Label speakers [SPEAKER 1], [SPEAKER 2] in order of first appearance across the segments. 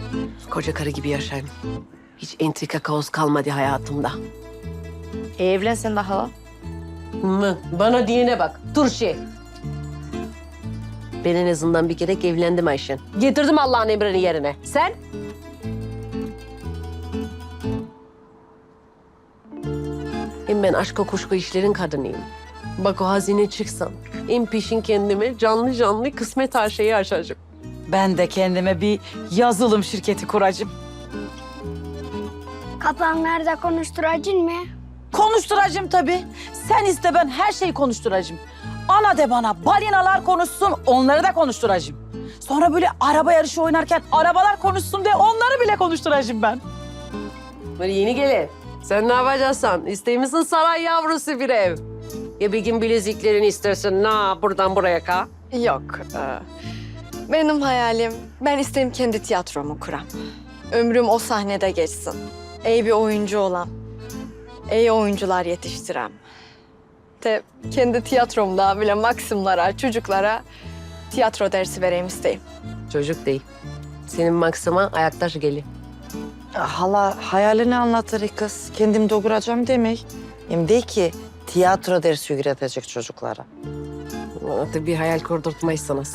[SPEAKER 1] Koca karı gibi yaşayayım. Hiç entrika kaos kalmadı hayatımda.
[SPEAKER 2] Evlensen de hala.
[SPEAKER 1] Mı? Bana diyene bak. Turşi. Ben en azından bir kere evlendim Ayşen. Getirdim Allah'ın emrini yerine. Sen? Hem ben aşk kuşku işlerin kadınıyım. Bak o hazine çıksam, en peşin kendime canlı canlı kısmet her şeyi açacağım.
[SPEAKER 3] Ben de kendime bir yazılım şirketi kuracağım.
[SPEAKER 4] Kapanlarda konuşturacın mı?
[SPEAKER 3] Konuşturacağım tabii. Sen iste ben her şeyi konuşturacağım. Ana de bana balinalar konuşsun, onları da konuşturacağım. Sonra böyle araba yarışı oynarken arabalar konuşsun diye onları bile konuşturacağım ben.
[SPEAKER 1] Böyle yeni gelin. Sen ne yapacaksın? İsteymişsin saray yavrusu bir ev. Ya bir gün bileziklerini istersin. Na buradan buraya ka.
[SPEAKER 2] Yok. Benim hayalim, ben isterim kendi tiyatromu kuram. Ömrüm o sahnede geçsin. İyi bir oyuncu olan. İyi oyuncular yetiştirem. De kendi tiyatromda bile maksimlara, çocuklara tiyatro dersi vereyim isteyim.
[SPEAKER 1] Çocuk değil. Senin maksima ayaktaş geli.
[SPEAKER 5] Hala hayalini anlatır kız. Kendim dolduracağım demek. Hem de ki tiyatro dersi öğretecek çocuklara.
[SPEAKER 1] Bana bir hayal kurdurtmaysanız.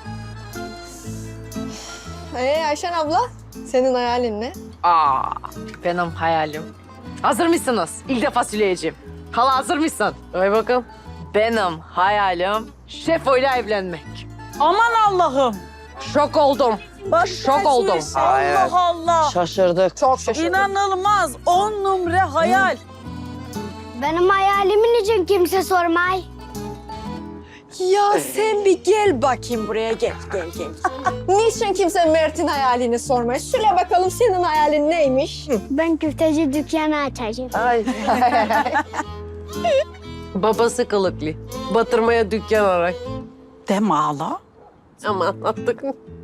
[SPEAKER 2] Ayşen abla, senin hayalin ne?
[SPEAKER 3] Benim hayalim. Hazır mısınız? İlk defa söyleyeceğim. Hala hazır mısın?
[SPEAKER 1] Ay bakalım.
[SPEAKER 3] Benim hayalim Şefo'yla evlenmek. Aman Allah'ım.
[SPEAKER 1] Şok oldum. Şok oldum.
[SPEAKER 3] Allah Allah.
[SPEAKER 5] Şaşırdık.
[SPEAKER 2] Çok şaşırdım.
[SPEAKER 3] İnanılmaz. 10 numara hayal.
[SPEAKER 4] Benim hayalimin için kimse sormay.
[SPEAKER 2] Ya sen bir gel bakayım buraya, gel. Niçin kimse Mert'in hayalini sormuyor? Söyle bakalım senin hayalin neymiş?
[SPEAKER 4] Ben köfteci dükkanı açacağım.
[SPEAKER 5] Ay.
[SPEAKER 1] Babası kılıklı. Batırmaya dükkan aray.
[SPEAKER 3] Deme hala.
[SPEAKER 1] Ama anlattık.